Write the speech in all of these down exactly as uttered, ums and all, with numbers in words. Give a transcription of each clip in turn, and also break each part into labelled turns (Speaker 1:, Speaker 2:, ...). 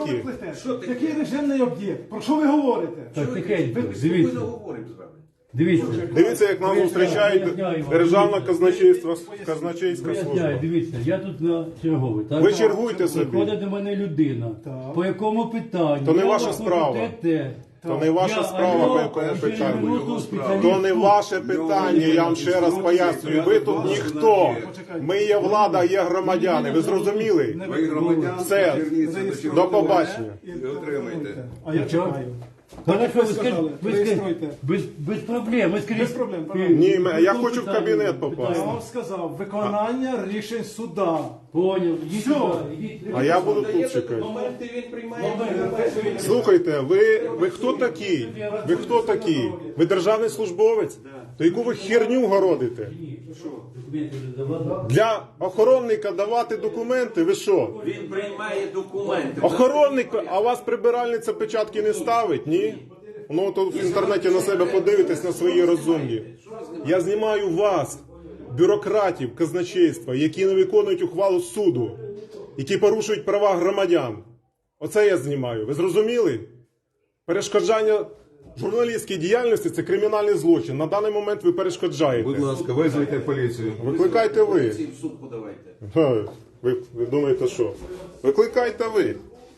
Speaker 1: такі?
Speaker 2: ви плетете?
Speaker 3: Що таке?
Speaker 2: Який режимний об'єкт? Про що ви говорите?
Speaker 4: Так, тихенько,
Speaker 3: Ми
Speaker 4: дивіться,
Speaker 3: спокійно говоримо з вами.
Speaker 4: дивіться.
Speaker 1: Дивіться, як нас зустрічають Державна казначейство, казначейська
Speaker 4: Виясняю,
Speaker 1: служба.
Speaker 4: дивіться, я тут на черговий. Так?
Speaker 1: Ви чергуйте собі.
Speaker 4: Приходить до мене людина.
Speaker 2: Так.
Speaker 4: По якому питанню?
Speaker 1: То не
Speaker 4: Я
Speaker 1: ваша
Speaker 4: виходжу
Speaker 1: справа.
Speaker 4: те, те.
Speaker 1: То не ваша
Speaker 4: Я,
Speaker 1: справа,
Speaker 4: а
Speaker 1: по
Speaker 4: я
Speaker 1: якому
Speaker 4: через
Speaker 1: питанню.
Speaker 4: минуту спеціаліст
Speaker 1: То не
Speaker 4: тут.
Speaker 1: ваше питання, я вам ще раз пояснюю. Ви тут ніхто. Ми є влада, є громадяни. Ви зрозуміли?
Speaker 3: Ви громадяни,
Speaker 1: Все.
Speaker 3: зверніться до
Speaker 1: До
Speaker 3: чергового
Speaker 1: побачення.
Speaker 3: і отримайте.
Speaker 2: А я
Speaker 4: Чого?
Speaker 2: чекаю.
Speaker 4: Хорошо, ви
Speaker 2: ви
Speaker 4: скажіть,
Speaker 2: сказали,
Speaker 4: ви скажіть,
Speaker 2: реєструйте.
Speaker 4: без, без проблем. Ви скажіть,
Speaker 2: Без проблем,
Speaker 4: е,
Speaker 2: пожалуйста.
Speaker 1: Ні, ме- я
Speaker 4: по
Speaker 1: хочу в
Speaker 4: питанню,
Speaker 1: кабінет попасти.
Speaker 2: Я
Speaker 4: питання.
Speaker 2: вам сказав, виконання рішень суда.
Speaker 4: Поняв, ідіть
Speaker 2: Все.
Speaker 4: сюди, ідіть.
Speaker 1: А я буду тут
Speaker 3: Даєте
Speaker 1: чекати.
Speaker 3: документи, він приймає.
Speaker 1: Слухайте, ви, ви хто такий? Ви хто такий? Ви державний службовець? То яку ви херню городите?
Speaker 4: Документи вже давали?
Speaker 1: Для охоронника давати документи? Ви що?
Speaker 3: Він приймає документи.
Speaker 1: Охоронник, а у вас прибиральниця печатки не ставить, ні? Ну то в інтернеті на себе подивитесь на свої розумні. Я знімаю вас, бюрократів казначейства, які не виконують ухвалу суду, які порушують права громадян. Оце я знімаю. Ви зрозуміли? Перешкоджання журналістській діяльності – це кримінальний злочин. На даний момент ви перешкоджаєте.
Speaker 5: Будь ласка, визвайте поліцію.
Speaker 1: Викликайте ви.
Speaker 3: В суд подавайте.
Speaker 1: Ха, Ви, ви думаєте, що? Викликайте ви.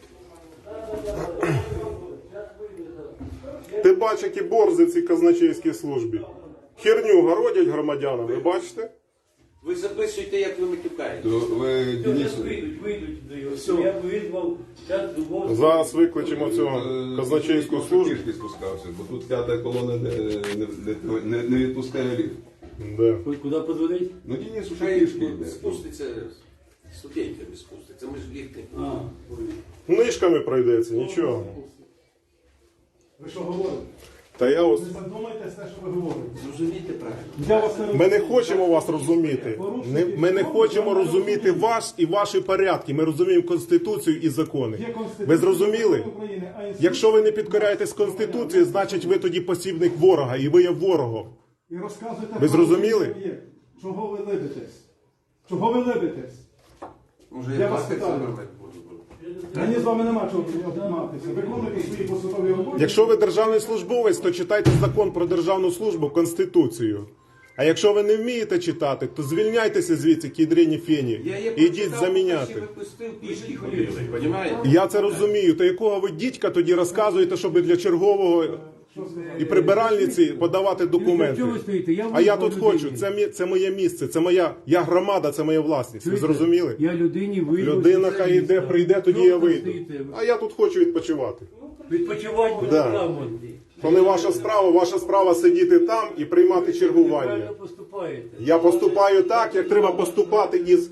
Speaker 1: Ти бачиш, які борзи в цій казначейській службі. Херню городять громадянам, ви бачите?
Speaker 3: Ви записуєте, як ви матюкаєте.
Speaker 5: То ви
Speaker 4: Зараз
Speaker 5: Денису,
Speaker 4: вийдуть, вийдуть до його. Я визвав, зараз до
Speaker 1: Зараз викличемо цього казначейську
Speaker 5: е,
Speaker 1: службу.
Speaker 5: пішки спускався, бо тут п'ята колона не, не, не, не відпускає ліфт.
Speaker 1: Да.
Speaker 4: Куди подзвонить?
Speaker 5: Ну Денис уже
Speaker 3: Хай
Speaker 5: пішки йде.
Speaker 3: спуститься, студентами спуститься. Ми ж ліфт не
Speaker 4: А,
Speaker 3: будемо.
Speaker 1: Книжками пройдеться, нічого.
Speaker 2: Ви що говорите?
Speaker 1: Та я ось...
Speaker 2: Не задумайтесь те, що ви говорите.
Speaker 3: Зрозумійте правильно.
Speaker 2: Я вас не
Speaker 1: Ми не
Speaker 2: розумію.
Speaker 1: хочемо вас розуміти. Не, ми не хочемо розуміти вас і ваші порядки. Ми розуміємо Конституцію і закони.
Speaker 2: Є Конституція
Speaker 1: Ви зрозуміли?
Speaker 2: України, а інститут-
Speaker 1: Якщо ви не підкоряєтесь Конституції, значить ви тоді посібник ворога, і ви є ворогом.
Speaker 2: І розказуєте
Speaker 1: Ви
Speaker 2: про
Speaker 1: зрозуміли?
Speaker 2: режимний об'єкт. Чого ви либитесь? Чого ви либитесь?
Speaker 3: Може,
Speaker 2: Я
Speaker 3: я
Speaker 2: вас
Speaker 3: плакати
Speaker 2: питаю.
Speaker 3: за вами буду.
Speaker 2: Мені з вами нема чого обійматися. Виконуйте свої посадові обов'язки.
Speaker 1: Якщо ви державний службовець, то читайте закон про державну службу, Конституцію. А якщо ви не вмієте читати, то звільняйтеся звідси, кідрені фені,
Speaker 3: Я є
Speaker 1: і йдіть
Speaker 3: прочитав,
Speaker 1: заміняти.
Speaker 3: ще випустив, пішки ходили, розумієте?
Speaker 1: Я це розумію. То якого ви дідька тоді розказуєте, щоб для чергового і прибиральниці подавати документи?
Speaker 4: Чого ви стоїте? Я
Speaker 1: А я
Speaker 4: визвав
Speaker 1: тут хочу.
Speaker 4: людині.
Speaker 1: Це, мі- це моє місце, це моя я громада, це моя власність. Ви
Speaker 4: Чуєте?
Speaker 1: зрозуміли?
Speaker 4: Я людині вийду.
Speaker 1: Людина хай йде, прийде, тоді я вийду.
Speaker 4: Стоїте?
Speaker 1: А я тут хочу відпочивати.
Speaker 4: Відпочивати буде
Speaker 1: Да.
Speaker 4: там. от.
Speaker 1: То не ваша справа, ваша справа сидіти там і приймати
Speaker 4: Ви
Speaker 1: чергування.
Speaker 4: правильно поступаєте.
Speaker 1: Я поступаю так, як треба поступати із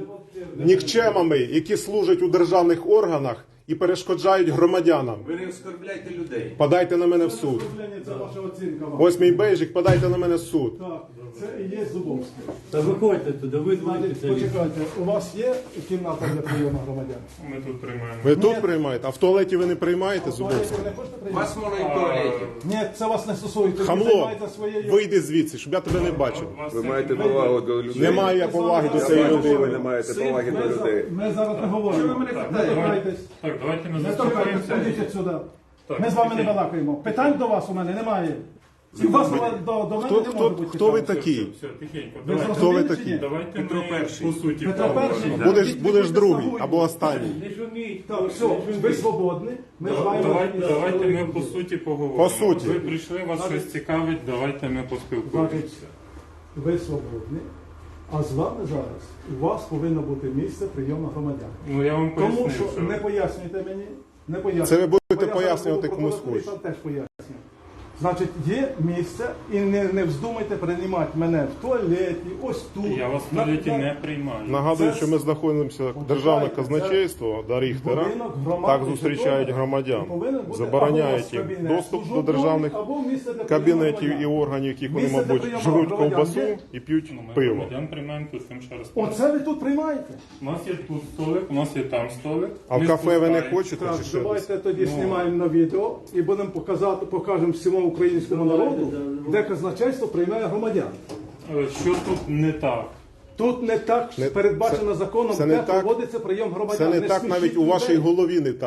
Speaker 1: нікчемами, які служать у державних органах і перешкоджають громадянам.
Speaker 3: Ви не оскорбляйте людей.
Speaker 1: Подайте на мене в суд.
Speaker 2: Це ваша оцінка вам.
Speaker 1: Ось мій бейжик, подайте на мене в суд.
Speaker 2: Так, це і є Зубовський.
Speaker 4: Та виходьте туди, ви двоє
Speaker 2: Значить, почекайте, у вас є кімната для прийому громадян?
Speaker 6: Ми тут приймаємо.
Speaker 1: Ви тут приймаєте, а в туалеті ви не приймаєте,
Speaker 2: В туалеті
Speaker 1: Зубовський?
Speaker 2: ви не хочете прийняти?
Speaker 3: Вас можна і в туалеті.
Speaker 2: Ні, це вас не стосується. Ви
Speaker 1: Хамло,
Speaker 2: займаєтеся своєю...
Speaker 1: вийди звідси, щоб я тебе не бачив.
Speaker 5: Ви маєте повагу до людей.
Speaker 1: Немає я поваги до цієї
Speaker 5: Ви
Speaker 1: людини.
Speaker 5: не маєте поваги
Speaker 2: Ми,
Speaker 5: до
Speaker 2: за-
Speaker 5: людей.
Speaker 2: ми зараз не говоримо.
Speaker 3: Що ви мене
Speaker 2: Не
Speaker 3: питаєте?
Speaker 2: торкайтесь.
Speaker 6: Так, давайте не
Speaker 2: Не торкайтесь,
Speaker 6: заспокоїмося.
Speaker 2: ходіть сюди.
Speaker 6: Так,
Speaker 2: Ми з вами не
Speaker 6: окей.
Speaker 2: балакаємо. Питань до вас у мене немає. І у вас до, до, до мене
Speaker 1: Хто,
Speaker 2: не
Speaker 1: хто,
Speaker 2: може бути
Speaker 1: хто ви
Speaker 2: питань.
Speaker 1: такий?
Speaker 6: Все, тихенько.
Speaker 2: Ви
Speaker 6: Давайте,
Speaker 1: Хто ви
Speaker 2: зрозуміли чи
Speaker 1: такі?
Speaker 2: ні?
Speaker 6: давайте
Speaker 3: Петро
Speaker 6: ми
Speaker 3: Перший.
Speaker 6: по суті
Speaker 2: Петро
Speaker 6: поговоримо.
Speaker 2: Перший.
Speaker 6: Да.
Speaker 1: Будеш,
Speaker 2: Ідіть,
Speaker 1: будеш
Speaker 2: будьте
Speaker 1: другий
Speaker 2: слугою.
Speaker 1: або останній.
Speaker 4: Не шуміть.
Speaker 2: Так, все, ви свободні. Ми з вами...
Speaker 6: Давайте, давайте ми по суті поговоримо.
Speaker 1: По суті.
Speaker 6: Ви прийшли, вас щось цікавить, давайте ми поспілкуємося.
Speaker 2: Значить, ви свободні, а з вами зараз у вас повинно бути місце прийому громадян.
Speaker 6: Ну я вам
Speaker 2: Тому
Speaker 6: поясню,
Speaker 2: що не пояснюйте мені, не пояснюйте.
Speaker 1: Це ви будете
Speaker 2: Бо я зараз
Speaker 1: пояснювати
Speaker 2: буду
Speaker 1: комусь
Speaker 2: прокурор, і
Speaker 1: хочете.
Speaker 2: там теж пояснюю. Значить, є місце, і не, не вздумайте приймати мене в туалеті, ось тут.
Speaker 6: Я вас в
Speaker 2: на-
Speaker 6: туалеті
Speaker 2: на-
Speaker 6: не приймаю.
Speaker 1: Нагадую,
Speaker 2: Це
Speaker 1: що ми знаходимося в державне казначейство до Ріхтера.
Speaker 2: Будинок громади
Speaker 1: Так зустрічають
Speaker 2: житловий.
Speaker 1: громадян.
Speaker 2: І повинен бути або у
Speaker 1: Забороняють
Speaker 2: вас
Speaker 1: їм
Speaker 2: кабінет
Speaker 1: доступ до
Speaker 2: службовий,
Speaker 1: державних
Speaker 2: або місце для
Speaker 1: кабінетів
Speaker 2: прийому
Speaker 1: і
Speaker 2: громадян.
Speaker 1: органів, яких вони,
Speaker 2: Місце для
Speaker 1: мабуть,
Speaker 2: прийому
Speaker 1: жруть
Speaker 2: громадян
Speaker 1: ковбасу
Speaker 2: є?
Speaker 1: і п'ють
Speaker 6: Ну, ми
Speaker 1: пиво.
Speaker 6: громадян приймаємо тут цим ще раз.
Speaker 2: Оце ви тут приймаєте.
Speaker 6: У нас є тут столик, у нас є там столик.
Speaker 1: А в
Speaker 6: Ми
Speaker 1: кафе ви не
Speaker 6: спускаємо.
Speaker 1: хочете
Speaker 2: Так,
Speaker 1: чи що?
Speaker 2: давайте тоді знімаємо на відео і будемо показати, покажемо всьому українському народу, де казначейство приймає громадян.
Speaker 6: Е, Що тут не так?
Speaker 2: Тут не так
Speaker 1: Не-
Speaker 2: передбачено
Speaker 1: це-
Speaker 2: законом,
Speaker 1: це не
Speaker 2: де
Speaker 1: так-
Speaker 2: проводиться прийом громадян.
Speaker 1: Це не так
Speaker 2: смішіть
Speaker 1: навіть у
Speaker 2: людей.
Speaker 1: вашій голові не так.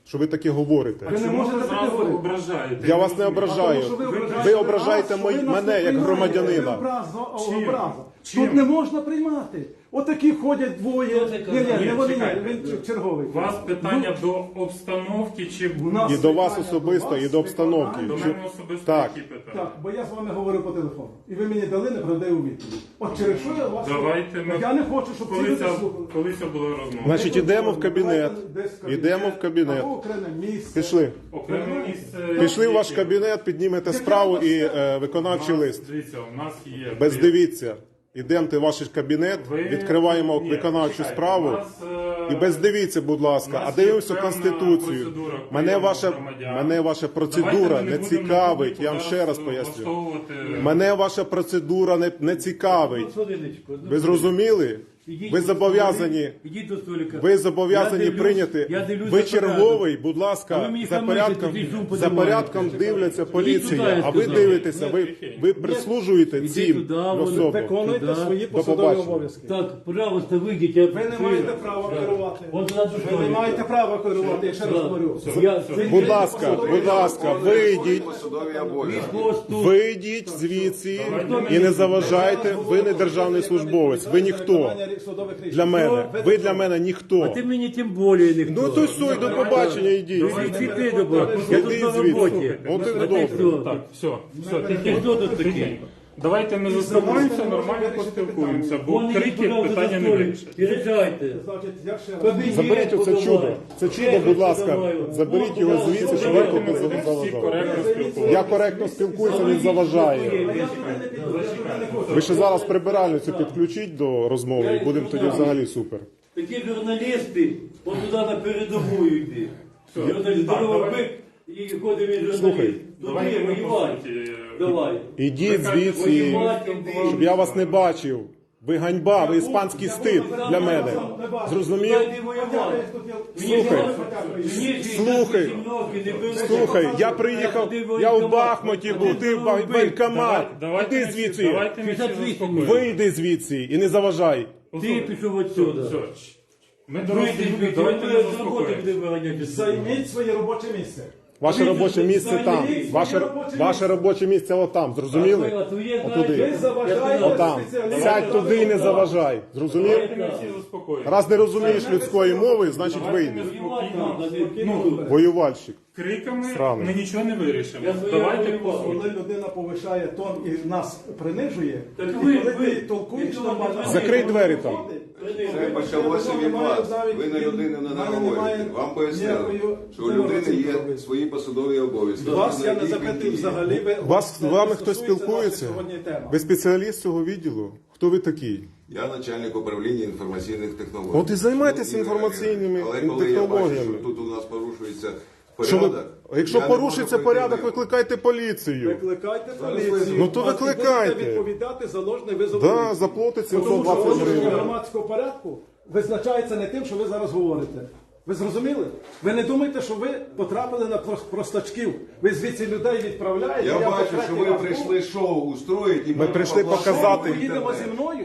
Speaker 1: що ви таке говорите.
Speaker 2: Ви не
Speaker 6: Чому
Speaker 2: можете
Speaker 6: ви
Speaker 2: таке
Speaker 6: зразу
Speaker 2: говорити?
Speaker 6: ображаєте?
Speaker 1: Я вас не ображаю.
Speaker 2: Тому що
Speaker 1: Ви ображаєте
Speaker 2: нас,
Speaker 1: мої-
Speaker 2: що ви нас
Speaker 1: мене
Speaker 2: не
Speaker 1: як
Speaker 2: приймаєте.
Speaker 1: громадянина.
Speaker 2: Це образа,
Speaker 6: Чим?
Speaker 2: образа.
Speaker 6: Чим?
Speaker 2: Тут не можна приймати. Отакі ходять двоє.
Speaker 4: Хто це
Speaker 2: Ні,
Speaker 4: казав?
Speaker 2: ні, не
Speaker 6: Ні,
Speaker 2: вони, ні,
Speaker 6: чекайте.
Speaker 2: він черговий.
Speaker 6: У вас питання до обстановки чи
Speaker 2: У нас
Speaker 1: І до вас
Speaker 2: питання
Speaker 1: особисто,
Speaker 2: до вас,
Speaker 1: і до обстановки.
Speaker 6: до
Speaker 2: виконання.
Speaker 6: мене особисто
Speaker 1: Так.
Speaker 6: які питання?
Speaker 2: Так, бо я з вами говорив по телефону. І ви мені дали неправдиву відповідь. От через що я вас...
Speaker 6: Давайте ми-
Speaker 2: Я не хочу, щоб ці
Speaker 6: Коли
Speaker 2: люди
Speaker 6: це,
Speaker 2: слухали.
Speaker 6: коли це була розмова?
Speaker 1: Значить, ідемо в кабінет.
Speaker 2: Десь в
Speaker 1: Ідемо в кабінет.
Speaker 2: Або окреме місце.
Speaker 1: Пішли.
Speaker 6: Окреме місце.
Speaker 1: Пішли в ваш кабінет, піднімете справу і е, виконавчий лист.
Speaker 6: Дивіться, у нас є...
Speaker 1: Без дивіться. Ідемте в ваш кабінет,
Speaker 6: Ви-
Speaker 1: відкриваємо
Speaker 6: Ні,
Speaker 1: виконавчу
Speaker 6: чекайте,
Speaker 1: справу.
Speaker 6: у нас, е,
Speaker 1: І без дивіться, будь
Speaker 6: у
Speaker 1: ласка,
Speaker 6: нас
Speaker 1: а дивимося
Speaker 6: є певна
Speaker 1: Конституцію.
Speaker 6: процедура
Speaker 1: Мене
Speaker 6: прийому
Speaker 1: ваша,
Speaker 6: громадян.
Speaker 1: мене ваша
Speaker 6: Давайте
Speaker 1: процедура
Speaker 6: ми
Speaker 1: не
Speaker 6: будемо
Speaker 1: цікавить,
Speaker 6: на
Speaker 1: я вам ще раз
Speaker 6: зараз
Speaker 1: поясню.
Speaker 6: влаштовувати-
Speaker 1: Мене ваша процедура не, не цікавить.
Speaker 4: Хвилиночку, одну
Speaker 1: Ви зрозуміли?
Speaker 4: Ідіть
Speaker 1: Ви
Speaker 4: до
Speaker 1: зобов'язані,
Speaker 4: столика, ідіть до столика.
Speaker 1: ви зобов'язані
Speaker 4: Я дивлюсь-
Speaker 1: прийняти.
Speaker 4: я дивлюсь
Speaker 1: Ви
Speaker 4: за порядок.
Speaker 1: черговий, будь
Speaker 4: А
Speaker 1: ласка,
Speaker 4: ви мені
Speaker 1: за
Speaker 4: хамите,
Speaker 1: порядком,
Speaker 4: тоді зум
Speaker 1: за
Speaker 4: подимаєте.
Speaker 1: порядком дивляться
Speaker 4: туди,
Speaker 1: поліція,
Speaker 4: я
Speaker 1: а ви
Speaker 4: сказав.
Speaker 1: дивитеся, ви, ви прислужуєте
Speaker 4: Ідіть
Speaker 1: цим
Speaker 4: туди, вони
Speaker 1: особам.
Speaker 2: Виконуйте
Speaker 4: Туди.
Speaker 2: свої
Speaker 1: До
Speaker 2: посадові
Speaker 1: побачення.
Speaker 2: обов'язки.
Speaker 4: Так, пожалуйста, вийдіть. Я...
Speaker 2: Ви не маєте права керувати.
Speaker 4: От туди до
Speaker 2: Ви не
Speaker 4: столика.
Speaker 2: маєте права керувати, я ще раз говорю.
Speaker 4: Я...
Speaker 1: Будь ласка, будь ласка, вийдіть.
Speaker 5: Посадові обов'язки.
Speaker 4: Вийдіть.
Speaker 1: Вийдіть звідси і не заважайте. Ви не державний службовець, ви ніхто для мене. Ви для мене
Speaker 4: А
Speaker 1: ніхто.
Speaker 4: ти мені тим більше ніхто.
Speaker 1: Ну то стой, до побачення, йдіть.
Speaker 4: Звідти до побачення. Я тут
Speaker 1: Іди
Speaker 4: на
Speaker 1: звідси.
Speaker 4: роботі.
Speaker 1: От і
Speaker 4: А ти
Speaker 1: добре.
Speaker 4: хто?
Speaker 6: Так, все, все,
Speaker 4: Ти
Speaker 6: тихо.
Speaker 4: хто тут такий?
Speaker 6: Давайте ми заспокоїмося, нормально поспілкуємося, бо
Speaker 4: Вон ідіть,
Speaker 6: крики
Speaker 4: пожалуйста,
Speaker 6: питання
Speaker 4: до
Speaker 6: не
Speaker 4: столика.
Speaker 6: вирішать.
Speaker 4: Переїжджайте.
Speaker 2: Значить, я ще раз.
Speaker 4: Кабінет
Speaker 1: Заберіть оце
Speaker 4: подавай.
Speaker 1: чудо. Це чудо, будь ласка,
Speaker 4: Подавай.
Speaker 1: заберіть його звідси, щоб
Speaker 6: Давайте
Speaker 1: ви
Speaker 6: ми
Speaker 1: тут не
Speaker 6: будемо всі
Speaker 1: заважали.
Speaker 6: коректно
Speaker 1: Я
Speaker 6: спілкуватися.
Speaker 1: коректно спілкуюся, він заважає. Ви ще зараз прибиральницю підключіть до розмови і будемо тоді взагалі супер.
Speaker 4: Такі журналісти, от туди на передову йди. Журналіст, здоровий бик, і ходить він журналіст.
Speaker 1: Слухай,
Speaker 6: Давайте
Speaker 4: Туди,
Speaker 6: ми по
Speaker 4: воювай.
Speaker 6: суті.
Speaker 4: Давай.
Speaker 1: Ідіть звідси,
Speaker 4: Воювати йди.
Speaker 1: щоб я вас не бачив. Ви ганьба, ви іспанський стид для мене. Зрозумів?
Speaker 4: Туди воювати.
Speaker 1: Слухай,
Speaker 4: Мені
Speaker 1: слухай,
Speaker 4: шістдесят років, не беруть.
Speaker 1: Слухай, я приїхав, я в Бахмуті був, ти в Ба- воєнкомат.
Speaker 6: Давайте
Speaker 1: Іди
Speaker 6: ми всі-
Speaker 1: звідси,
Speaker 6: Давайте ми всі
Speaker 4: шістдесят вісім.
Speaker 6: заспокоїмося.
Speaker 1: вийди звідси і не заважай.
Speaker 4: Ти пішов отсюда.
Speaker 6: Все, все. Ми дорослі
Speaker 4: Вийди,
Speaker 6: люди,
Speaker 4: вийди,
Speaker 6: давайте ми
Speaker 4: ми з роботи
Speaker 6: заспокоїмося.
Speaker 4: буде виганяти.
Speaker 2: Займіть своє робоче місце.
Speaker 1: Ваше робоче місце там.
Speaker 2: Займіть
Speaker 1: Ваше,
Speaker 2: своє робоче
Speaker 1: ваше робоче місце отам, зрозуміли?
Speaker 4: А твоє,
Speaker 1: Отуди.
Speaker 4: знаєш,
Speaker 2: Ви заважаєте
Speaker 1: Отам.
Speaker 2: спеціалістам.
Speaker 1: Сядь туди і не заважай. Зрозумів?
Speaker 6: Давайте ми всі заспокоїмося.
Speaker 1: Раз не розумієш людської мови, значить вийди.
Speaker 4: воювати треба, не-
Speaker 6: Ну,
Speaker 1: Воювальщик.
Speaker 6: криками
Speaker 1: Сраний.
Speaker 6: ми нічого не вирішимо.
Speaker 4: Я своє
Speaker 6: Давайте по
Speaker 4: воював.
Speaker 6: суті.
Speaker 2: Коли людина повишає тон і нас принижує,
Speaker 4: Так
Speaker 2: і
Speaker 4: ви-
Speaker 2: коли
Speaker 4: ви-
Speaker 2: ти толкуєш
Speaker 4: ви-
Speaker 2: нормально,
Speaker 4: ви-
Speaker 1: Закрий двері там.
Speaker 5: Це почалося від вас. Ви на людину не наговорите. Вам пояснили, що у людини є свої посадові обов'язки.
Speaker 2: Вас я не
Speaker 5: Які
Speaker 2: запитав
Speaker 5: підійдуть.
Speaker 2: взагалі. ви-
Speaker 1: Вас з
Speaker 2: це
Speaker 1: вами
Speaker 2: не
Speaker 1: хтось
Speaker 2: стосується
Speaker 1: спілкується?
Speaker 2: нашої сьогодні теми.
Speaker 1: Ви спеціаліст цього відділу? Хто ви такий?
Speaker 5: Я начальник управління інформаційних технологій.
Speaker 1: От і займайтеся
Speaker 5: Ну,
Speaker 1: інформаційними
Speaker 5: Але коли я бачу,
Speaker 1: технологіями.
Speaker 5: що тут у нас порушується
Speaker 1: Що ви,
Speaker 5: порядок,
Speaker 1: якщо
Speaker 5: я не
Speaker 1: порушиться
Speaker 5: можу пройти
Speaker 1: порядок,
Speaker 5: мимо.
Speaker 1: викликайте поліцію.
Speaker 2: Викликайте
Speaker 5: Зараз
Speaker 2: поліцію.
Speaker 5: визову.
Speaker 1: Ну, то
Speaker 2: а
Speaker 1: викликайте.
Speaker 2: будете відповідати за ложний визов.
Speaker 1: Да,
Speaker 2: поліції.
Speaker 1: заплатить
Speaker 2: Тому
Speaker 1: сімсот
Speaker 2: що
Speaker 1: двадцять
Speaker 2: порушення
Speaker 1: гривень.
Speaker 2: громадського порядку визначається не тим, що ви зараз говорите. Ви зрозуміли? Ви не думайте, що ви потрапили на прос- простачків. Ви звідси людей відправляєте.
Speaker 5: Я
Speaker 2: по
Speaker 5: бачу, що
Speaker 2: третій
Speaker 5: ви
Speaker 2: раз
Speaker 5: прийшли шоу устроїти. і
Speaker 1: Ми прийшли
Speaker 5: поплатити
Speaker 1: показати.
Speaker 5: в
Speaker 2: Поїдемо
Speaker 5: інтернет.
Speaker 2: зі мною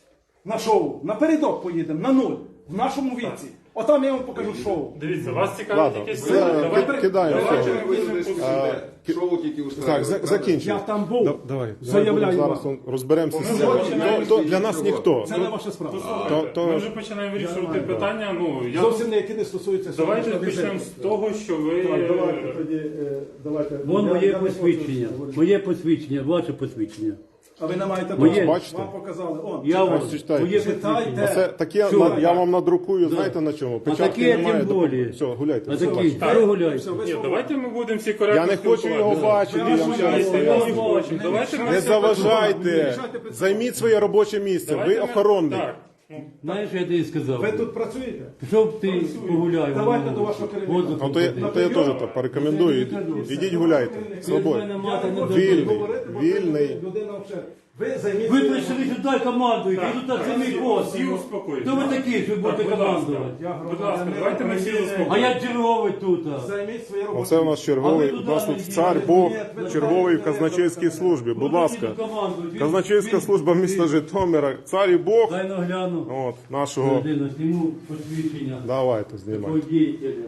Speaker 2: на шоу. Напередок поїдемо, на нуль. В нашому віці. Отам я вам покажу шоу.
Speaker 6: Дивіться, вас цікавить
Speaker 1: Ладно,
Speaker 6: якесь
Speaker 1: все,
Speaker 6: питання?
Speaker 1: ки-
Speaker 6: Давайте-
Speaker 1: кидаємо.
Speaker 6: давайте
Speaker 1: все.
Speaker 6: ми візьмемо по суті.
Speaker 5: Шоу тільки
Speaker 1: Так,
Speaker 5: устроїли.
Speaker 1: за-
Speaker 5: правда?
Speaker 1: закінчуй.
Speaker 2: Я там був.
Speaker 1: Да- Давай,
Speaker 2: Заявляю
Speaker 1: зараз
Speaker 2: вам.
Speaker 1: зараз он- розберемося з цим.
Speaker 6: починаємо
Speaker 1: То- то Для нас ніхто.
Speaker 2: Це не ваша справа.
Speaker 1: То- то-
Speaker 6: Ми вже починаємо вирішувати питання. Ну, я
Speaker 2: Зовсім не які не стосуються
Speaker 6: Давайте
Speaker 2: сьогоднішнього
Speaker 6: почнемо з
Speaker 2: візиту.
Speaker 6: того, що ви...
Speaker 2: Так, давайте тоді, е, давайте.
Speaker 4: Вон
Speaker 2: Я-
Speaker 4: моє
Speaker 2: я не хочу
Speaker 4: посвідчення.
Speaker 2: говорити.
Speaker 4: Моє посвідчення, ваше посвідчення.
Speaker 2: А ви не маєте
Speaker 4: Моє.
Speaker 2: права.
Speaker 1: Бачите?
Speaker 2: Вам показали. Он,
Speaker 4: Я
Speaker 2: читайте.
Speaker 4: вам
Speaker 1: читайте.
Speaker 4: моє
Speaker 2: Читайте.
Speaker 4: посвідчення.
Speaker 1: Це таке,
Speaker 4: Що?
Speaker 1: на- я вам надрукую, знаєте на чому?
Speaker 4: А
Speaker 1: Печатки
Speaker 4: таке
Speaker 1: немає.
Speaker 4: тим более.
Speaker 1: Все, гуляйте.
Speaker 4: А
Speaker 1: все
Speaker 4: такі,
Speaker 1: ваше.
Speaker 4: що гуляйте?
Speaker 2: Все, ви
Speaker 6: Ні,
Speaker 2: свободні.
Speaker 6: давайте ми будемо всі коректно
Speaker 1: Я не хочу його
Speaker 6: спілкуватися.
Speaker 1: бачити, я вам ще раз
Speaker 6: Якщо ми
Speaker 1: поясню.
Speaker 6: не хочемо, давайте ми
Speaker 1: Не
Speaker 6: всі-
Speaker 1: заважайте, займіть своє робоче місце,
Speaker 6: Давайте
Speaker 1: ви
Speaker 6: ми-
Speaker 1: охоронний.
Speaker 6: Так. Ну,
Speaker 4: Знаєш, я тобі сказав.
Speaker 2: Ви тут працюєте?
Speaker 4: Пішов ти погуляй.
Speaker 2: Давайте
Speaker 4: воно.
Speaker 2: до вашого керівника.
Speaker 4: Воздух
Speaker 1: Ну, то я, ну, то я теж так порекомендую. Ідіть, ідіть гуляйте.
Speaker 4: Ви з
Speaker 1: Свободно.
Speaker 4: мене мати не
Speaker 1: Вільний.
Speaker 4: дадуть.
Speaker 2: Говорити, бо
Speaker 1: Вільний.
Speaker 2: це людина взагалі. Ви займіть
Speaker 4: Ви
Speaker 2: своє-
Speaker 4: прийшли сюди командуєте, і тут це мій пост.
Speaker 6: всі успокойтесь.
Speaker 4: Хто ви такі, що ви будете
Speaker 6: будь ласка.
Speaker 4: командувати?
Speaker 2: Я
Speaker 6: Будь ласка,
Speaker 2: громадянин
Speaker 6: давайте ми всі
Speaker 2: України.
Speaker 4: А
Speaker 6: заспокоїмо.
Speaker 4: я черговий тут.
Speaker 2: Займіть своє робоче
Speaker 1: Оце у нас черговий,
Speaker 4: А ви
Speaker 1: у
Speaker 4: туди
Speaker 1: нас тут
Speaker 4: не
Speaker 1: цар
Speaker 4: йдіть.
Speaker 1: Бог,
Speaker 2: Ні, ви
Speaker 1: черговий в
Speaker 2: туди не
Speaker 1: казначейській
Speaker 2: йдете.
Speaker 1: службі. Будь ласка.
Speaker 4: Командують.
Speaker 1: Казначейська служба міста Житомира, цар і Бог.
Speaker 4: Дай нагляну.
Speaker 1: От, нашого.
Speaker 4: Людина, зніму посвідчення.
Speaker 1: Давайте, знімайте.
Speaker 4: Такого діятеля.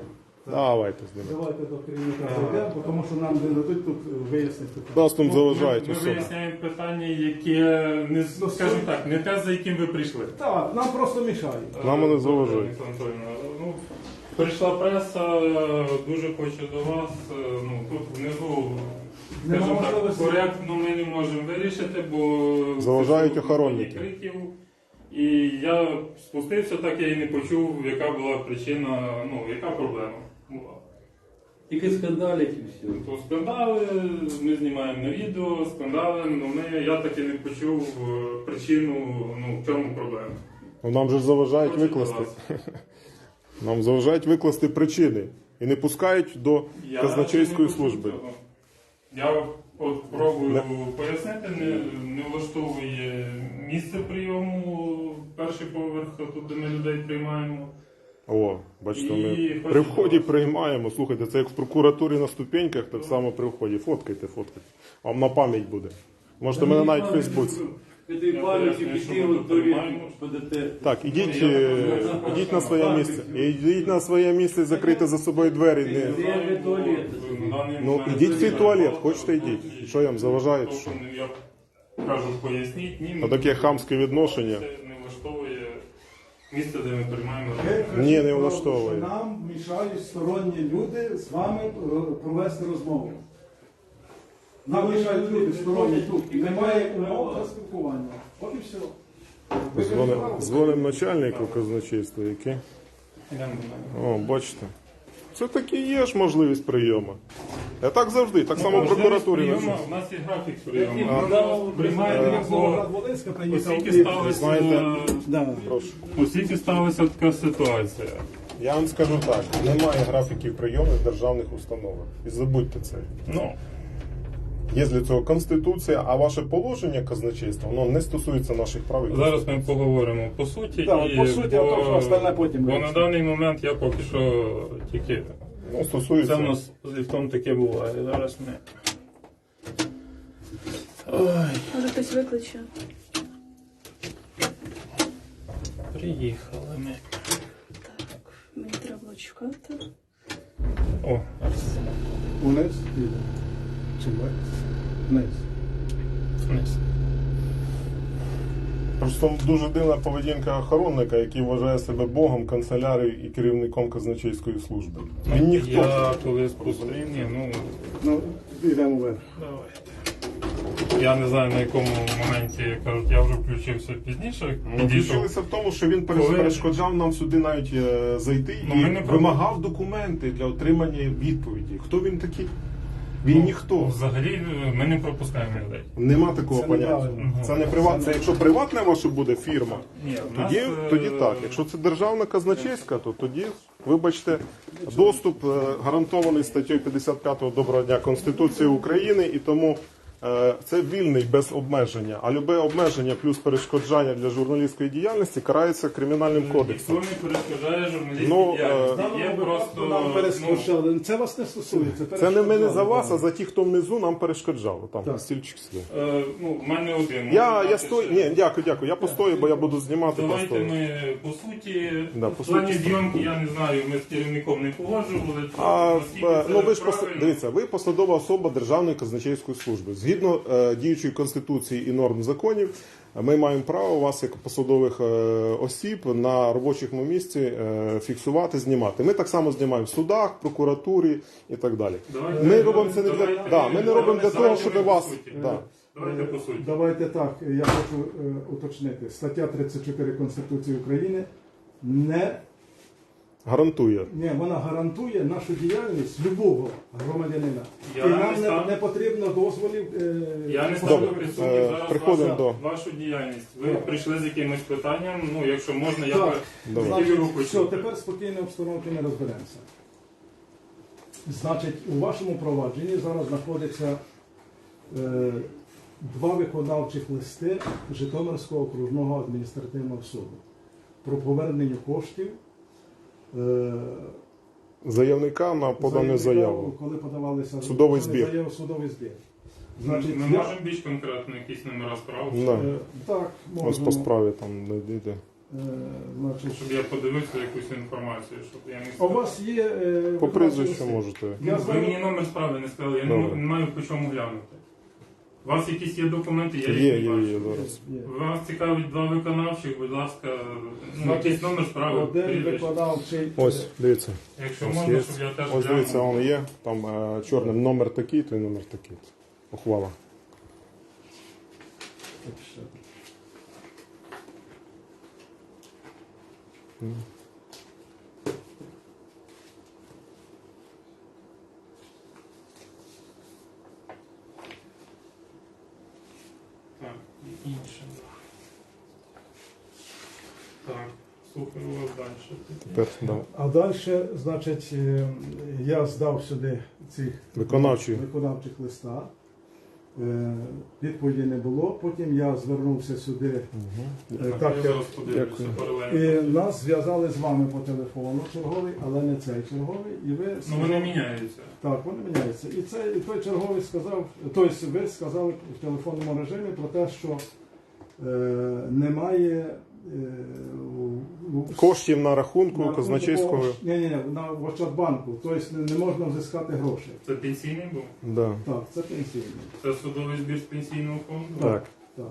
Speaker 1: Давайте з ними.
Speaker 2: Давайте до керівника зайдемо, бо тому що нам не дадуть тут вияснити.
Speaker 1: Нас там заважають
Speaker 6: Ми
Speaker 1: особи.
Speaker 6: виясняємо питання, яке не
Speaker 2: Ну,
Speaker 6: скажімо так, не те, за яким ви прийшли.
Speaker 2: Так, нам просто мішають.
Speaker 1: Нам вони заважають.
Speaker 6: Ніна Анатоліївна, ну, прийшла преса, дуже хочу до вас. Ну, тут внизу,
Speaker 2: Нема
Speaker 6: скажімо так,
Speaker 2: можливості.
Speaker 6: коректно ми не можемо вирішити, бо
Speaker 1: Заважають
Speaker 6: це
Speaker 1: охоронники.
Speaker 6: криків. І я спустився, так я і не почув, яка була причина, ну, яка проблема була.
Speaker 4: Тільки скандалять і все.
Speaker 6: То скандали, ми знімаємо на відео, скандали, але ми, я таки не почув е, причину, ну, в чому проблема.
Speaker 1: Ну, нам же ж заважають
Speaker 6: Хочу до
Speaker 1: викласти.
Speaker 6: вас.
Speaker 1: Нам заважають викласти причини. І не пускають до
Speaker 6: Я
Speaker 1: казначейської
Speaker 6: не почув
Speaker 1: служби.
Speaker 6: цього. Я от пробую пояснити, не, не влаштовує місце прийому, перший поверх, тут де ми людей приймаємо.
Speaker 1: О, бачите, ми
Speaker 6: І
Speaker 1: при
Speaker 6: хочу
Speaker 1: вході
Speaker 6: до вас.
Speaker 1: приймаємо. Слухайте, це як в прокуратурі на ступеньках, так само при вході. Фоткайте, фоткайте. Вам на пам'ять буде. Можете мене навіть в Фейсбуці.
Speaker 4: Этой пам'яті
Speaker 6: пояснюю, що
Speaker 4: піти
Speaker 6: ми
Speaker 4: от
Speaker 6: тут
Speaker 4: до
Speaker 6: приймаємо.
Speaker 4: ПДТ.
Speaker 1: Так, ідіть,
Speaker 6: Ну, я
Speaker 1: е,
Speaker 6: так
Speaker 1: ідіть на своє місце. Ідіть на своє місце, закрийте за собою двері. Не...
Speaker 4: Де ви туалет?
Speaker 1: Ну, ідіть в свій туалет, хочете йдіть. Що я вам заважаю, чи що?
Speaker 6: Я кажу, поясніть, ні,
Speaker 1: А таке хамське відношення.
Speaker 6: це не влаштовує місце, де ми приймаємо.
Speaker 2: Ви
Speaker 1: Ні, не
Speaker 2: кажете,
Speaker 1: влаштовує.
Speaker 2: що нам мішають сторонні люди з вами е, провести розмову. Нам мішають люди сторонні тут. І немає умов для спілкування. От і все. Ви
Speaker 1: Дзвоним,
Speaker 2: кажете,
Speaker 1: дзвоним начальнику казначейства, який.
Speaker 6: Йдемо до мене.
Speaker 1: О, бачите. Це таки є ж можливість прийому. Я так завжди, так само в прокуратурі.
Speaker 6: Прийому,
Speaker 1: на
Speaker 6: у нас є графік прийому.
Speaker 4: Який
Speaker 6: Ми
Speaker 4: прийом?
Speaker 6: приймаємо
Speaker 2: Як
Speaker 6: по
Speaker 2: Новоград-Волинська приїхав.
Speaker 6: оскільки
Speaker 2: і-
Speaker 6: сталася,
Speaker 1: знаєте,
Speaker 2: Да.
Speaker 1: Прошу.
Speaker 6: оскільки сталася така ситуація.
Speaker 1: Я вам скажу так, немає графіків прийому в державних установах. І забудьте це.
Speaker 6: Ну,
Speaker 1: Є для цього Конституція, а ваше положення казначейства, воно не стосується наших прав. і
Speaker 6: зараз ми поговоримо по суті.
Speaker 2: Так,
Speaker 6: і
Speaker 2: по суті, а
Speaker 6: бо,
Speaker 2: то, що остальне потім
Speaker 6: бо на
Speaker 2: вирішимо.
Speaker 6: даний момент я поки що тільки.
Speaker 1: Ну,
Speaker 6: Це
Speaker 1: стосується.
Speaker 6: в нас з ліфтом таке буває. Зараз ми. Ой,
Speaker 7: Може хтось викличе.
Speaker 6: приїхали ми.
Speaker 7: Так, мені треба було чекати.
Speaker 6: О, зараз
Speaker 2: Униз піде. Чи вверх? Вниз.
Speaker 6: вниз.
Speaker 1: Просто дуже дивна поведінка охоронника, який вважає себе богом, канцелярією і керівником казначейської служби. Він ніхто.
Speaker 6: Я коли спустив, ні, ну
Speaker 2: Ну, йдемо вверх.
Speaker 6: давайте. Я не знаю на якому моменті кажуть, я вже включився пізніше.
Speaker 1: Ну,
Speaker 6: Підійшов.
Speaker 1: Включилися в тому, що він
Speaker 6: Коли-
Speaker 1: перешкоджав нам сюди навіть е, зайти
Speaker 6: Ну,
Speaker 1: і
Speaker 6: ми не
Speaker 1: вимагав документи для отримання відповіді. Хто він такий? Він
Speaker 6: Ну,
Speaker 1: ніхто.
Speaker 6: Взагалі ми не пропускаємо людей.
Speaker 1: Нема такого
Speaker 2: Це
Speaker 1: поняття.
Speaker 2: неправильно.
Speaker 1: Це не приват. Це якщо приватна ваша буде фірма,
Speaker 6: Ні, в нас,
Speaker 1: тоді,
Speaker 6: е,
Speaker 1: тоді так. Якщо це державна казначейська, то тоді, вибачте, доступ е, гарантований статтею п'ятдесят п'ять Доброго дня Конституції України, і тому е, це вільний без обмеження. А любе обмеження плюс перешкоджання для журналістської діяльності карається кримінальним кодексом.
Speaker 6: Ніхто не перешкоджає журналістській
Speaker 1: Ну, е,
Speaker 6: діяльності. Є просто
Speaker 2: нам
Speaker 6: ну,
Speaker 2: перешкоджали. Це вас не стосується.
Speaker 1: Це не ми не за вас, а
Speaker 2: перешкоджали.
Speaker 1: за ті, хто внизу нам перешкоджав. Там
Speaker 2: Так.
Speaker 1: стільчик сидів.
Speaker 6: е, ну, в мене один.
Speaker 1: Я,
Speaker 6: Можна
Speaker 1: я
Speaker 6: дати
Speaker 1: стою.
Speaker 6: ще.
Speaker 1: Ні, дякую, дякую. Я постою, бо я буду знімати.
Speaker 6: Давайте
Speaker 1: Просто.
Speaker 6: ми по суті,
Speaker 1: Да,
Speaker 6: в
Speaker 1: по
Speaker 6: плані
Speaker 1: суті.
Speaker 6: зйомки я не знаю, ми з керівником не погоджували.
Speaker 1: А
Speaker 6: наскільки
Speaker 1: е,
Speaker 6: це
Speaker 1: ну ви ж пос...
Speaker 6: правильно.
Speaker 1: дивіться, ви посадова особа Державної казначейської служби. Згідно е, діючої конституції і норм законів, ми маємо право вас як посадових е, осіб на робочому місці е, фіксувати, знімати. Ми так само знімаємо в судах, прокуратурі і так далі.
Speaker 6: Давайте,
Speaker 1: Ми робимо це не для
Speaker 6: давайте,
Speaker 1: да, ми не робимо для того,
Speaker 6: давайте
Speaker 1: щоб
Speaker 6: по
Speaker 1: вас.
Speaker 6: суті.
Speaker 1: Да.
Speaker 6: Давайте по суті.
Speaker 2: Давайте так, я хочу е, уточнити. Стаття тридцять чотири Конституції України не,
Speaker 1: Гарантує.
Speaker 2: не вона гарантує нашу діяльність любого громадянина.
Speaker 6: Я
Speaker 2: І
Speaker 6: не
Speaker 2: нам не,
Speaker 6: став-
Speaker 2: не потрібно дозволів. Е,
Speaker 6: Я не
Speaker 1: Добре,
Speaker 6: ставлю під
Speaker 1: е,
Speaker 6: сумнів зараз
Speaker 1: приходимо
Speaker 6: вашу,
Speaker 1: до-
Speaker 6: вашу діяльність. Ви прийшли з якимось питанням, ну якщо можна, я
Speaker 2: Так.
Speaker 6: би
Speaker 1: Давай.
Speaker 6: хотів його
Speaker 2: Значить, все,
Speaker 6: почути.
Speaker 2: тепер спокійно обстановки не розберемося. Значить, у вашому провадженні зараз знаходиться е, два виконавчих листи Житомирського окружного адміністративного суду про повернення коштів. Е,
Speaker 1: Заявника на подану
Speaker 2: заявника,
Speaker 1: заяву.
Speaker 2: Коли подавалися
Speaker 1: Судовий
Speaker 2: подали
Speaker 1: збір.
Speaker 2: заяву, судовий збір.
Speaker 6: Ми
Speaker 2: Значить,
Speaker 6: можемо
Speaker 2: я-
Speaker 6: більш конкретно якісь номера справ?
Speaker 1: Да.
Speaker 2: е, так,
Speaker 1: Ось
Speaker 2: можемо.
Speaker 1: по справі там не йде.
Speaker 2: Е, значить,
Speaker 6: Щоб я подивився якусь інформацію, щоб я не
Speaker 2: а у вас є... е,
Speaker 1: По прізвищу
Speaker 2: виконавчий лист?
Speaker 1: можете.
Speaker 2: Я
Speaker 6: Ви
Speaker 2: знаю-
Speaker 6: мені номер справи не сказали, я не,
Speaker 1: Добре.
Speaker 6: не маю по чому глянути. У вас якісь є документи, я їх
Speaker 1: Є,
Speaker 6: не
Speaker 1: є,
Speaker 6: бачу.
Speaker 1: є, зараз.
Speaker 2: Є.
Speaker 6: Вас цікавить два виконавчих, будь ласка, ну, якийсь номер справи,
Speaker 2: Один
Speaker 6: прізвище.
Speaker 2: виконавчий...
Speaker 1: Ось, дивіться.
Speaker 6: Якщо
Speaker 1: Ось
Speaker 6: можна,
Speaker 1: є.
Speaker 6: щоб я теж
Speaker 1: Ось дивіться,
Speaker 6: глянув.
Speaker 1: воно є. Там е, чорним номер такий, то і номер такий. Ухвала.
Speaker 6: Так, і інше. Так, слухаю вас далі.
Speaker 1: Тепер да.
Speaker 2: А далі, значить, е, я здав сюди цих
Speaker 1: Виконавчі.
Speaker 2: виконавчих листа. Е, Відповіді не було. Потім я звернувся сюди. Е, Так,
Speaker 6: Так, я
Speaker 2: як-
Speaker 6: зараз подивлюся
Speaker 1: Дякую.
Speaker 6: паралельно.
Speaker 2: і нас зв'язали з вами по телефону черговий, але не цей черговий. І ви
Speaker 6: Ну вони міняються.
Speaker 2: Так, вони міняються. І цей і той черговий сказав, тобто ви сказали в телефонному режимі про те, що е, немає е, у- у-
Speaker 1: Коштів на рахунку
Speaker 2: на
Speaker 1: казначейського.
Speaker 2: рахунку- Ні, ні, на в Ощадбанку. Тобто не, не можна взискати гроші.
Speaker 6: Це пенсійний був?
Speaker 1: Да.
Speaker 2: Так, це пенсійний.
Speaker 6: Це судовий збір з пенсійного фонду?
Speaker 1: Так.
Speaker 2: Так.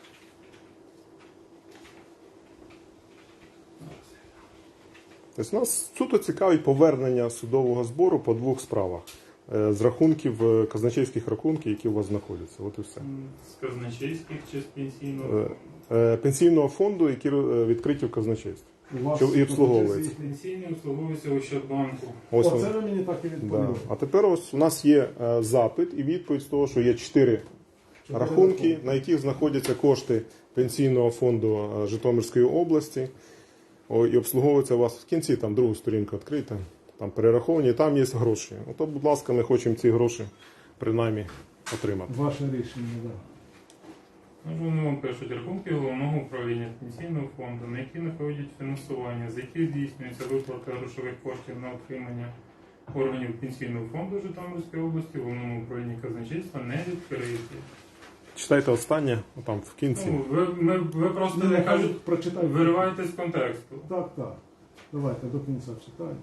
Speaker 1: Тобто нас суто цікавить повернення судового збору по двох справах. Е, З рахунків, е, казначейських рахунків, які у вас знаходяться. От і все.
Speaker 6: З казначейських чи з пенсійного
Speaker 1: Е,
Speaker 6: фонду?
Speaker 1: е, Пенсійного фонду, які е, відкриті в казначействі.
Speaker 2: У вас
Speaker 1: Що і обслуговується.
Speaker 6: Пенсійний обслуговується у Ощадбанку.
Speaker 1: Ось
Speaker 2: Оце
Speaker 1: воно.
Speaker 2: ви мені так і
Speaker 1: Да.
Speaker 2: відповіли.
Speaker 1: А тепер ось у нас є е, запит і відповідь з того, що є чотири рахунки, на яких знаходяться кошти пенсійного фонду е, Житомирської області. О, і обслуговується у вас в кінці, там другу сторінку відкрийте, там перераховані, там є гроші. Ото, будь ласка, ми хочемо ці гроші принаймні отримати.
Speaker 2: Ваше рішення, так.
Speaker 6: Ну, вони вам пишуть рахунки головного управління пенсійного фонду, на які надходять фінансування, з яких здійснюється виплата грошових коштів на отримання органів пенсійного фонду Житомирської області, головному управлінні казначейства не відкриті.
Speaker 1: Читайте останнє, там в кінці.
Speaker 6: Ну, ви, ми, ви просто
Speaker 2: Ну,
Speaker 6: не
Speaker 2: нехай
Speaker 6: кажуть,
Speaker 2: прочитайте.
Speaker 6: вириваєте з контексту.
Speaker 2: Так, так. Давайте до кінця читаємо.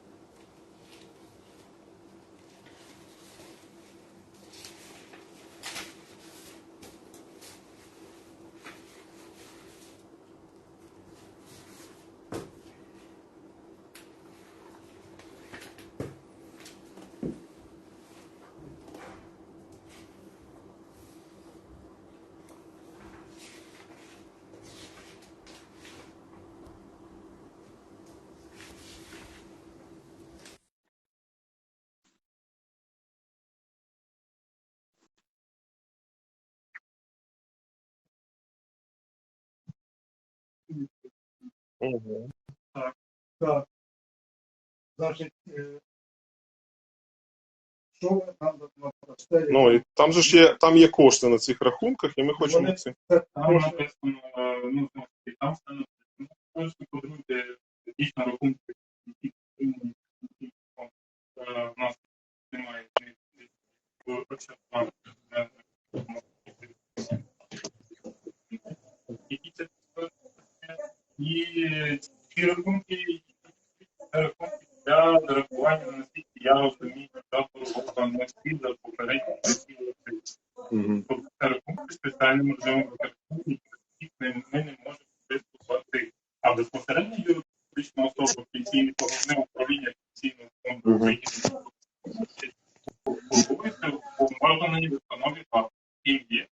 Speaker 2: Так. Значить, е, що ви там дасте?
Speaker 1: Ну, і там же ж є, там є кошти на цих рахунках, і ми хочемо
Speaker 2: Вони-
Speaker 1: ці.
Speaker 6: Там написано, е, ну, знову ж таки, там все написано. Можете подивити дійсно рахунки, які отримані пенсійний фонд. Е, в нас немає в Ощадбанку. Е, Які це і ці рахунки, це рахунки для зарахування, наскільки я розумію, та торгова не слід за попередні роки. Тобто це рахунки спеціальним режимом використання, яких ми ми не можемо приступати. А безпосередньо юридична особа пенсійне головне управління пенсійного фонду України формується в поважній установі ФАП. Ким є.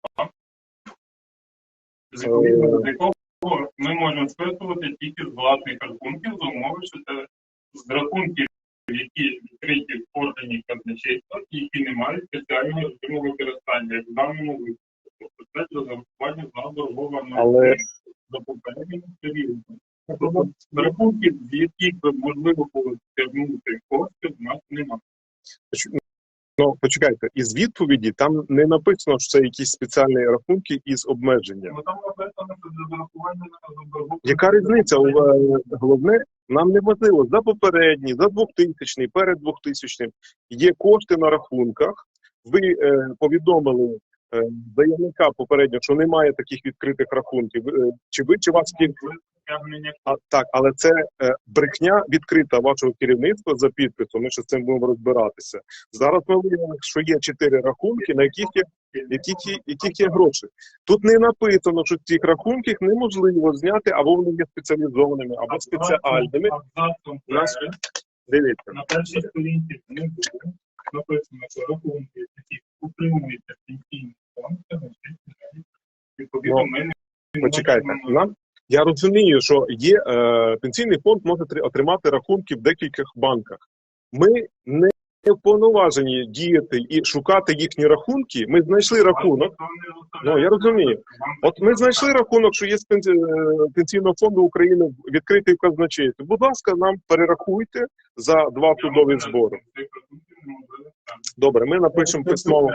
Speaker 6: З відповідно до якого ми можемо списувати тільки з власних рахунків, за умови, що це з рахунків, які відкриті в органі казначейства, і які не мають спеціального режиму використання, як в даному випадку. Тобто це для зарахування на боргова
Speaker 1: Але-
Speaker 6: за попереднім періодом. Тобто з рахунків, з яких би можливо було стягнути кошти, в нас немає.
Speaker 1: Ну, почекайте, із відповіді там не написано, що це якісь спеціальні рахунки із обмеженням.
Speaker 6: Ну, там написано, що для зарахування на боргова.
Speaker 1: Яка різниця? У- е, Головне, нам не важливо за попередній, за двохтисячний, перед двохтисячним. Є кошти на рахунках. Ви е, повідомили е, заявника попередньо, що немає таких відкритих рахунків. Е, чи ви, чи вас ті-
Speaker 6: стягнення.
Speaker 1: А, так, але це е, брехня відкрита вашого керівництва за підписом. Ми ще з цим будемо розбиратися. Зараз ми виявили, що є чотири рахунки, на яких є, яких, є, яких є гроші. Тут не написано, що цих рахунків неможливо зняти, або вони є спеціалізованими, або спеціальними.
Speaker 6: Абзацом
Speaker 1: У нас
Speaker 6: перед,
Speaker 1: дивіться.
Speaker 6: на першій сторінці внизу написано, що рахунки, які утримуються пенсійний фонд, це значить, відповідно, ми не
Speaker 1: Почекайте,
Speaker 6: можемо-
Speaker 1: нам я розумію, що є е, пенсійний фонд може тр- отримати рахунки в декількох банках. Ми не вповноважені діяти і шукати їхні рахунки. Ми знайшли рахунок. Ну я розумію. От ми знайшли рахунок, що є з пенсі... е, пенсійного фонду України відкритий в казначействі. Будь ласка, нам перерахуйте за два судові збори. Добре, ми напишемо письмово.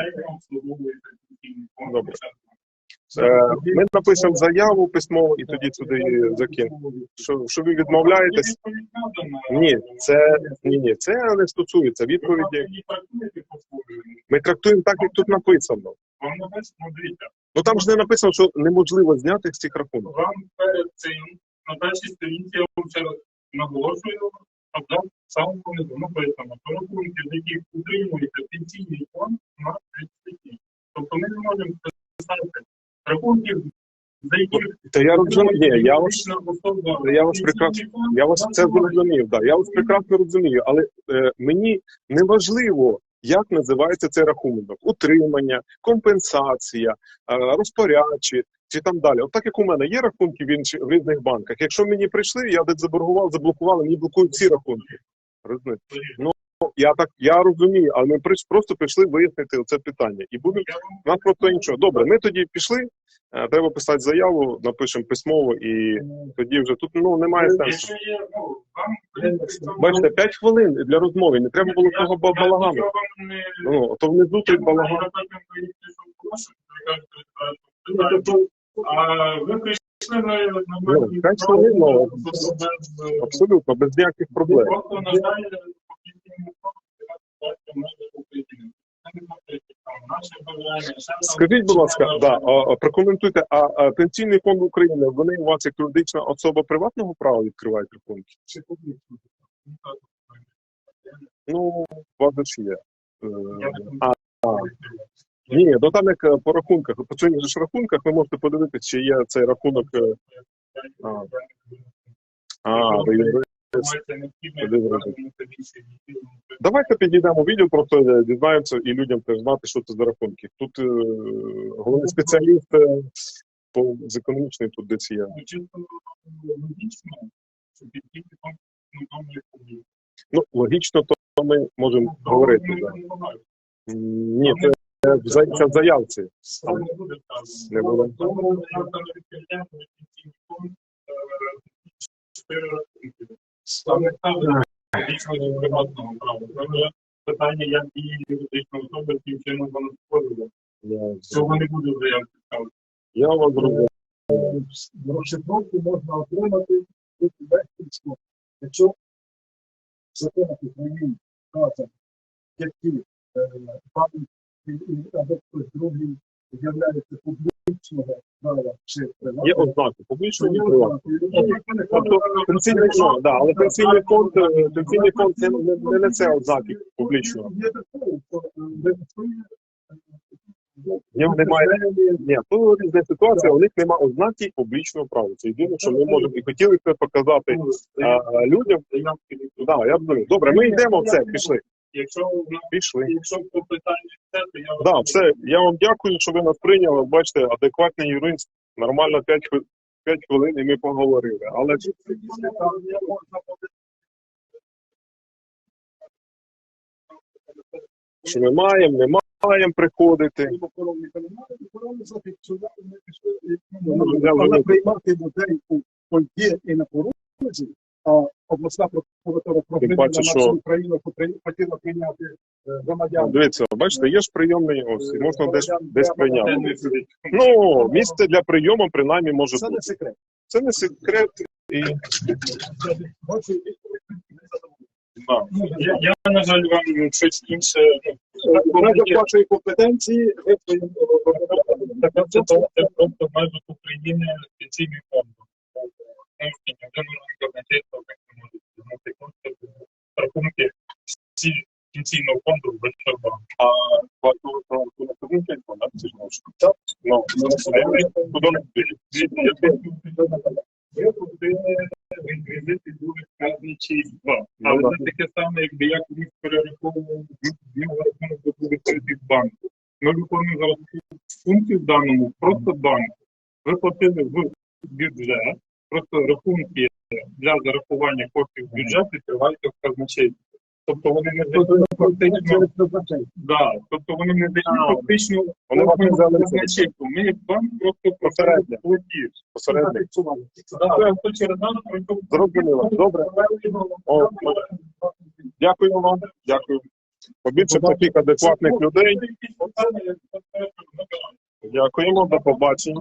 Speaker 1: Добре. Е, Ми напишемо заяву письмово і тоді сюди закинемо. Що, що ви відмовляєтесь? Ні, це ні, ні, це не стосується відповіді. Ми трактуємо так, як тут написано.
Speaker 6: Вам написано, дивіться,
Speaker 1: Ну там ж не написано, що неможливо зняти з цих рахунків.
Speaker 6: вам перед цим на першій сторінці я вам ще раз наголошую, абзац самого внизу написано, що рахунки, з яких утримується пенсійний фонд, у нас тридцять. Тобто ми не можемо писати рахунків, за яких
Speaker 1: Та я розумію, я вас,
Speaker 6: фізична особа,
Speaker 1: я вас прекрасно, я вас це зрозумів, да, я вас прекрасно розумію, але е, мені не важливо, як називається цей рахунок: утримання, компенсація, е, розпорядчі чи там далі. От так як у мене є рахунки в інших в різних банках. Якщо мені прийшли, я десь заборгував, заблокували, мені блокують всі рахунки. Розумієте? Ну я так я розумію, але ми прийш- просто прийшли вияснити це питання. І будемо у нас просто іншого. Добре, ми тоді пішли. е, Треба писати заяву, напишемо письмово, і тоді вже тут ну немає сенсу.
Speaker 6: Якщо є, ну, вам...
Speaker 1: Бачите, п'ять хвилин для розмови, не треба було того ба- балагану. Ну, то внизу той балаган.
Speaker 6: А ви прийшли на
Speaker 1: Ну, п'ять хвилин, ну, абсолютно, без ніяких проблем.
Speaker 6: Просто, на жаль, по пенсійному фонду може бути наше бажання.
Speaker 1: Скажіть, будь ласка, да, а, а, прокоментуйте, а, а пенсійний фонд України, вони у вас як юридична особа приватного права відкривають рахунки? Чи публічного? Ну, у вас же ж є. Е, А, а, ні, ну там як е, по рахунках, по цих же ж рахунках ви можете подивитися, чи є цей рахунок. е, А, а ви юрист. Давайте підійдемо в відділ, просто е, дізнаємося і людям теж знати, що це за рахунки. Тут е, головний спеціаліст е, по з економічної тут десь є. Ну, логічно, то ми можемо говорити. Да. М, Ні, це, це, в за- це в заявці. Не було.
Speaker 6: Питання, як дії юридичної особи, яким чином вона створює.
Speaker 1: Я,
Speaker 6: Цього не буде в заявці ставити.
Speaker 1: я вас зрозумів.
Speaker 2: Розшифровку можна отримати від легкістю. Якщо в законах України вказано, які пам'ять або хтось другий з'являється публічного права чи
Speaker 1: Є
Speaker 2: приватного,
Speaker 1: ознаки публічного і приватного. Тобто пенсійний фонд, да, але пенсійний фонд, е, пенсійний фонд не, не, не несе ознаки публічного.
Speaker 2: Є такого, що реєструє
Speaker 1: В нього немає. Ні, то різна ситуація, у них немає ознаки публічного права. Це єдине, що ми можемо і хотіли це показати а, а, людям. Да, я розумію. Добре, ми йдемо в це, пішли.
Speaker 6: Якщо в нас
Speaker 1: Пішли.
Speaker 6: якщо по питанню це, то я
Speaker 1: Да, все. Я вам дякую, що ви нас прийняли. Бачите, адекватний юрист, нормально п'ять хвилин і ми поговорили. Але що ми маємо, не маємо приходити.
Speaker 2: Вона приймати людей у Польді і на порозі, а обласна прокуратура
Speaker 1: Тим
Speaker 2: проблема
Speaker 1: паче,
Speaker 2: на
Speaker 1: що-
Speaker 2: всю Україну потри- хотіла прийняти е, громадян.
Speaker 1: Дивіться, бачите, є ж прийомний ось, і можна десь, десь прийняти. Ну, місце для прийому принаймні може
Speaker 2: Це не
Speaker 1: бути.
Speaker 2: секрет.
Speaker 1: Це не секрет. І
Speaker 2: Бачу, відповідь не задоволена.
Speaker 6: я, я на жаль вам щось інше.
Speaker 2: В межах вашої компетенції ви своїм
Speaker 6: Це, це, це просто в межах України пенсійний фонд. можете, ні один орган казначейства так не може звернути кошти в рахунки всі пенсійного фонду в Ощадбанку. А платного рахунок казначейства, так, це ж може. Ну, куди не піде? Є куди реквізити були казначейства. Але це таке саме, якби я колись перераховував в нього рахунок до були перед банку. Ми виконуємо зараз функцію в даному просто банку. Ви платили в бюджет, просто рахунки для зарахування коштів в бюджеті тривають в казначействі. Тобто вони не дають фактично, да, тобто вони не дають фактично казначейству. Ми як банк просто посередньо платіж. Посередньо.
Speaker 1: Зрозуміло. Добре. О, дякую вам. Дякую. Побільше таких адекватних людей. Дякуємо, до побачення.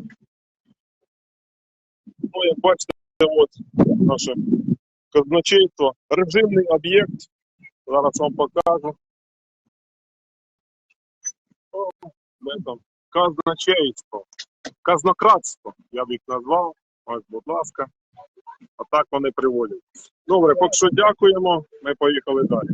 Speaker 1: Ну, як бачите, от наше казначейство. Режимний об'єкт. Зараз вам покажу. О, де там? Казначейство. Казнократство, я б їх назвав. Ось, будь ласка. А так вони приводять. Добре, поки що дякуємо. Ми поїхали далі.